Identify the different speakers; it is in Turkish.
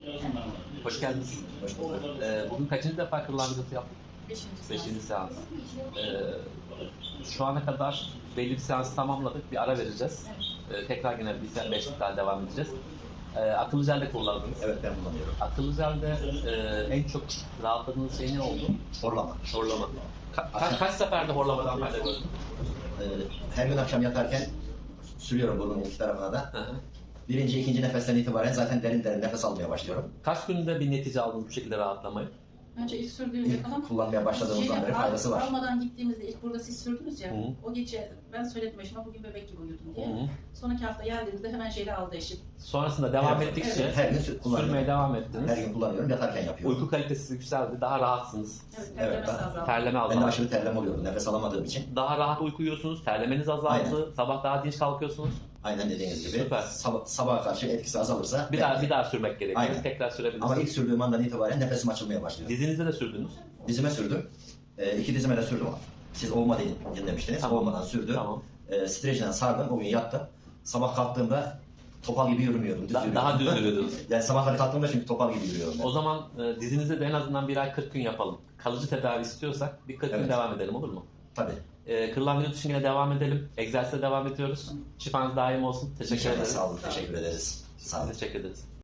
Speaker 1: Hoş geldiniz.
Speaker 2: Hoş bulduk.
Speaker 1: Bugün kaçıncı defa kırlangıcı yaptık? Beşinci seans. Şu ana kadar belli bir seans tamamladık. Bir ara vereceğiz. Tekrar yine bir 5 daha devam edeceğiz. Akıllı jelde kullandınız.
Speaker 2: Evet, ben kullanıyorum.
Speaker 1: Akıllı jelde en çok rahatladığınız şey ne oldu?
Speaker 2: Horlama.
Speaker 1: Horlama. Kaç seferde horlamadan fayda gördün?
Speaker 2: Her gün akşam yatarken sürüyorum burnumun iki tarafına da.
Speaker 1: Hı hı.
Speaker 2: Birinci, ikinci nefesten itibaren zaten derin derin nefes almaya başlıyorum.
Speaker 1: Kaç günde bir netice aldınız bu şekilde rahatlamayı?
Speaker 3: Önce ilk sürdüğümüzde
Speaker 2: İlk
Speaker 3: falan
Speaker 2: kullanmaya başladığımızdan beri faydası var.
Speaker 3: almadan gittiğimizde ilk burada siz sürdünüz ya,
Speaker 1: Hı.
Speaker 3: o gece ben söyledim eşime bugün bebek gibi uyudum diye.
Speaker 1: Hı hı.
Speaker 3: Sonraki hafta geldiğimizde hemen jeli aldı eşim.
Speaker 1: Sonrasında devam
Speaker 2: Evet,
Speaker 1: ettikçe
Speaker 2: her gün kullanıyorum.
Speaker 1: sürmeye devam ettiniz.
Speaker 2: Her gün kullanıyorum, yatarken yapıyorum.
Speaker 1: Uyku kalitesi yükseldi, daha rahatsınız.
Speaker 3: Evet,
Speaker 2: Evet,
Speaker 3: terlemesi azaldı.
Speaker 1: Terleme
Speaker 2: Ben de
Speaker 1: azaldı.
Speaker 2: aşırı terleme oluyordu nefes alamadığım için.
Speaker 1: Daha rahat uyku uyuyorsunuz, terlemeniz azaldı,
Speaker 2: Aynen.
Speaker 1: sabah daha dinç kalkıyorsunuz.
Speaker 2: Aynen dediğiniz gibi.
Speaker 1: Süper.
Speaker 2: Sabaha karşı etkisi azalırsa.
Speaker 1: Bir daha sürmek gerekiyor.
Speaker 2: Aynen.
Speaker 1: Tekrar sürebilirsiniz.
Speaker 2: Ama ilk sürdüğüm andan itibaren nefesim açılmaya başlıyor.
Speaker 1: Dizinize de sürdünüz.
Speaker 2: Dizime sürdüm. İki dizime de sürdüm. Siz olma demiştiniz.
Speaker 1: Tamam.
Speaker 2: Olmadan sürdüm.
Speaker 1: Tamam.
Speaker 2: Streçle sardım. O gün yattım. Sabah kalktığımda topal gibi yürümüyordum. Düz yürüyordum.
Speaker 1: Daha düz yürüyordunuz.
Speaker 2: Yani sabahları kalktığımda çünkü topal gibi yürüyorum. Ben.
Speaker 1: O zaman dizinize de en azından bir ay 40 gün yapalım. Kalıcı tedavi istiyorsak bir 40 gün
Speaker 2: Evet.
Speaker 1: devam edelim, olur mu?
Speaker 2: Tabii.
Speaker 1: Kırlangıç için yine devam edelim. Egzersize devam ediyoruz. Şifanız daim olsun. Teşekkür
Speaker 2: İnşallah,
Speaker 1: ederiz.
Speaker 2: sağ olun. Teşekkür ederiz. Sağ olun.
Speaker 1: Teşekkür ederiz.